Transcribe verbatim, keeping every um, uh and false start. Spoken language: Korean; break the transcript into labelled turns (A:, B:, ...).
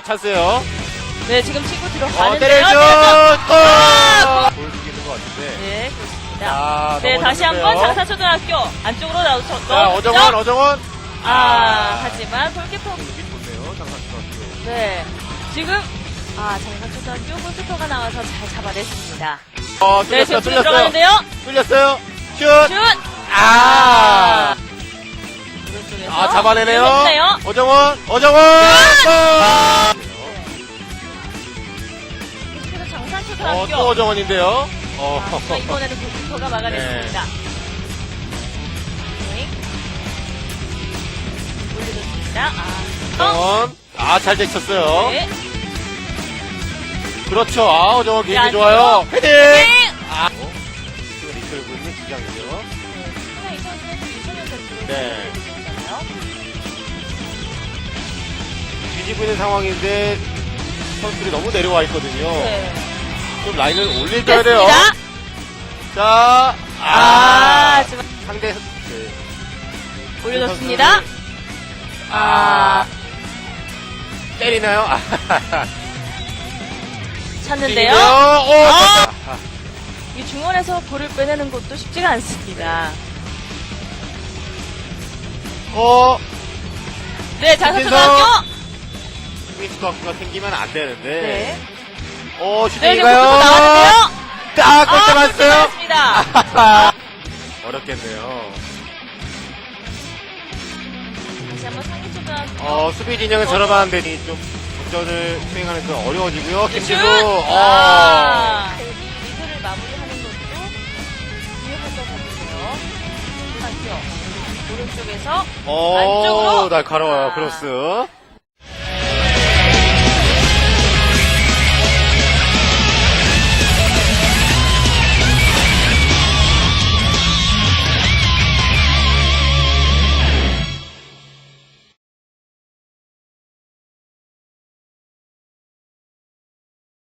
A: 찬스요.
B: 네, 지금 친구
A: 어,
B: 들어가는데요.
A: 때려줘!
B: 아,
A: 골! 보여주기는 것 같은데.
B: 네, 그렇습니다.
A: 자,
B: 네, 다시
A: 넘어졌는데요.
B: 한번 장사초등학교 안쪽으로 나오죠.
A: 자, 어정원, 어정원.
B: 아, 하지만 골키퍼.
A: 여기 좋네요, 장사초등학교.
B: 네, 지금 아 장사초등학교 골키퍼가 나와서 잘 잡아냈습니다.
A: 어,
B: 네,
A: 뚫렸어요,
B: 지금
A: 뚫렸어요.
B: 들어가는데요.
A: 뚫렸어요. 슛!
B: 슛!
A: 아!
B: 오른쪽에서
A: 아, 잡아내네요.
B: 밀어내요.
A: 어정원, 어정원! 골!
B: 그래서
A: 어,
B: 장사초등학교.
A: 또 어정원인데요. 어.
B: 아, 자, 이번에는 골키퍼가 막아냈습니다. 네. 올려줬습니다. 아, 어?
A: 어정원. 아, 잘 제쳤어요.
B: 네.
A: 그렇죠. 아, 어정원
B: 네,
A: 개인기
B: 안쪽으로.
A: 좋아요. 헤딩!
B: 네.
A: 아. 어, 지금 이끌고 있는 주장이죠.
B: 하나 이 선수는 이소년 선수로
A: 네.
B: 있잖아요.
A: 뒤지고 있는 상황인데 선수들이 너무 내려와 있거든요.
B: 네.
A: 좀 라인을 올려줘야 돼요.
B: 됐습니다.
A: 자, 아,
B: 아, 지금
A: 상대 네,
B: 올려줬습니다.
A: 선수를-
B: 아,
A: 때리나요? 아,
B: 찾는데요.
A: 오,
B: 아!
A: 아,
B: 이 중원에서 볼을 빼내는 것도 쉽지가 않습니다.
A: 어,
B: 네, 장사초등학교.
A: 스미스박스가 생기면 안 되는데.
B: 네.
A: 오,
B: 네, 지금
A: 슈팅인가요?
B: 골키퍼 나왔는데요.
A: 딱 골대
B: 아,
A: 맞았어요.
B: 맞습니다.
A: 어렵겠네요.
B: 다시 한번 상기초등학교.
A: 어, 수비 진영은 저렴한 데니 좀 작전을 수행하는 건 어려워지고요.
B: 슛!
A: 김지수, 어.
B: 아, 리드를 마무리하는 것도 유효할 것 같은데요. 초등학교. 오른쪽에서
A: 어,
B: 안쪽으로.
A: 날카로워요,
B: 아.
A: 크로스.